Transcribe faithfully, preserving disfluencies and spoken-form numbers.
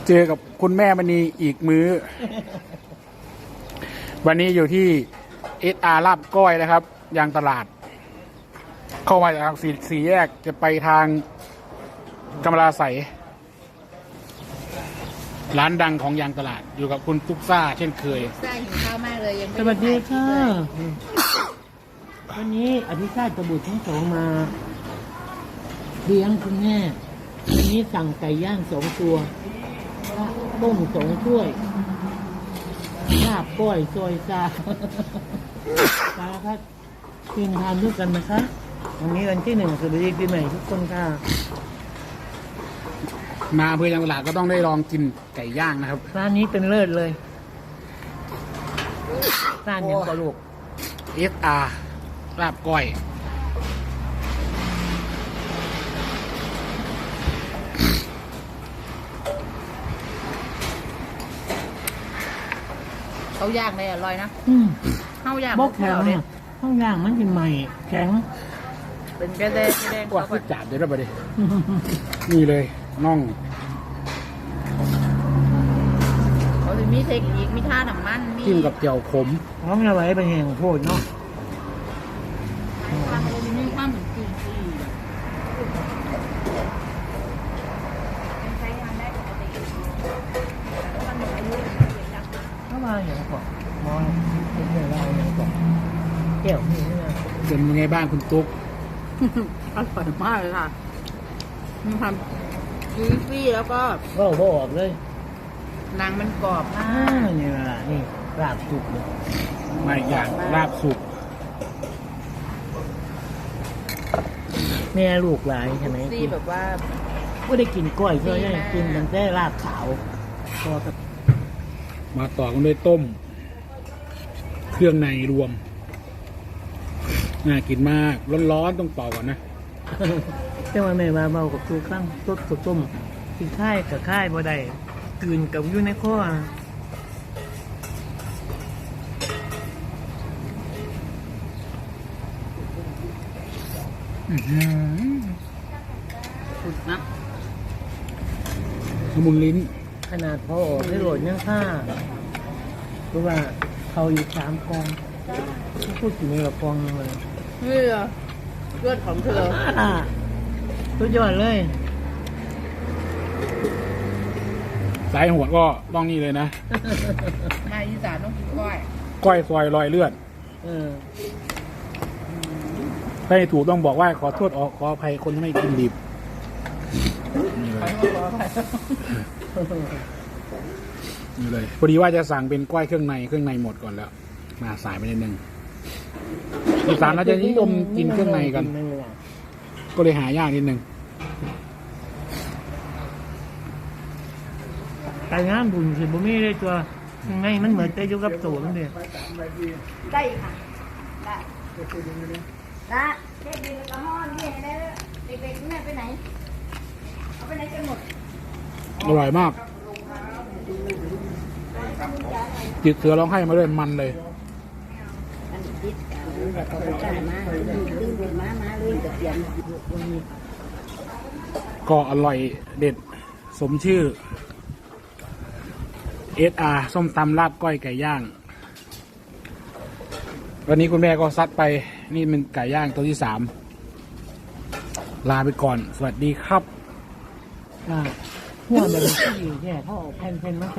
เจอกับคุณแม่มณีอีกมื้อ วันนี้อยู่ที่เอสอาร์ลาบก้อยนะครับยางตลาด เข้ามาจากสี่สี่แยกจะไปทางกำมะลาไสร้านดังของยางตลาดอยู่กับคุณตุ๊กซ่าเช่นเคยซ่าหิวข้าวมากเลยยังไม่สวัสดีค่ะได้วันนี้อภิชาติตบุตรทั้งสองมาเลี้ยงคุณแม่วันนี้สั่งไก่ย่างสองตัวต้มสองถ้วยลาบก้อยซอยซาสารพัดกินทานด้วยกันนะคะวันนี้วันที่หนึ่งสวัสดีปีใหม่ทุกคนค่ะมาอำเภอยางตลาดก็ต้องได้ลองกินไก่ย่างนะครับร้านนี้เป็นเลิศเลยร้านยังกระโหลกเอสอาร์ลาบก้อยเขาย่างเลยอร่อยนะอืมข้าวย่างบอกแข็งเขาเนี่ยอ่ะข้างย่างมันเป็นใหม่แข็งเป็นกระเดงกระเดงว่าคือจาดเดี๋ยวเราไปดิ นี่เลยน่องเขาจะมีเทคนิคมีท่าน้ำมันมีจิ้มกับเจียวขมพร้อมเอาไว้เป็นแห่งโพดเนาะความมีความเหมือนจริงจริงเข้ามาอย่างก่อนมองเป็นเรื่องราวอย่างก่อนเกี่ยวนี่นะเป็นยังไงบ้างคุณตุ๊กอร่อยมากเลยค่ะมีความจุยซี่แล้วก็ก็บอกเลยหนังมันกรอบมาอ่าก นี่แหละนี่ลาบสุกเลยมาอีกอย่างลาบสุกแม่ลูกหลายใช่ไหมซี่กินแบบว่าก็ได้กินกล้อยเพื่อได้กินมันแต่ลาบขาวพอกับมาต่อกันด้วยต้ม เครื่องในรวมน่ากินมากร้อนๆต้องเป่าก่อนนะแต่ว่าแม่มาเบากับตัวข้างต้มกับต้มกินค่ายกับค่ายบ่ได้กลืนกับอยู่ในคออื้อหือสุดนะละมุนลิ้นขนาดพอออกได้โหลดยังค่าเพราะว่าเขาอยู่สามกองพูดถึงในละกองเลยนี่เหรอเลือดของเธออ่าสุดยอดเลยสายหัวก็ต้องนี่เลยนะมาอีสานต้องกินก้อยก้อยซอยรอยเลือดเออถ้าให้ถูกต้องบอกว่าขอโทษอขออภัยคนที่ไม่กินดิบนี่เลยนี่เลยพอดีว่าจะสั่งเป็นก้อยเครื่องในเครื่องในหมดก่อนแล้ว มาสายไปนิดนึงอีสานเราจะนิยมกินเครื่องในกัน ก็เลยหายากนิดนึงไก่งามบุญสิบ่มีเลยตัวยังไงมันเหมือนแต่อยู่กับตัวมันเดียได้ค่ะได้ได้เด็กดีแล้วก็ห้อนเด็กแล้วเด็กๆแม่ไปไหน เอาไปไหนกันหมดอร่อยมากจิตเสือร้องไห้มาด้วยมันเลยอันนี้ติดกันแบบเขาไปจ่ายมาลืมลืมมามาลืมกับเสียงก็อร่อยเด็ดสมชื่อ เอส อาร์ ส้มตำลาบก้อยไก่ย่าง วันนี้คุณแม่ก็ซัดไปนี่เป็นไก่ย่างตัวที่สามลาไปก่อน สวัสดีครับอ่าหัวมันที่แค่เขาเอาแผ่นๆมา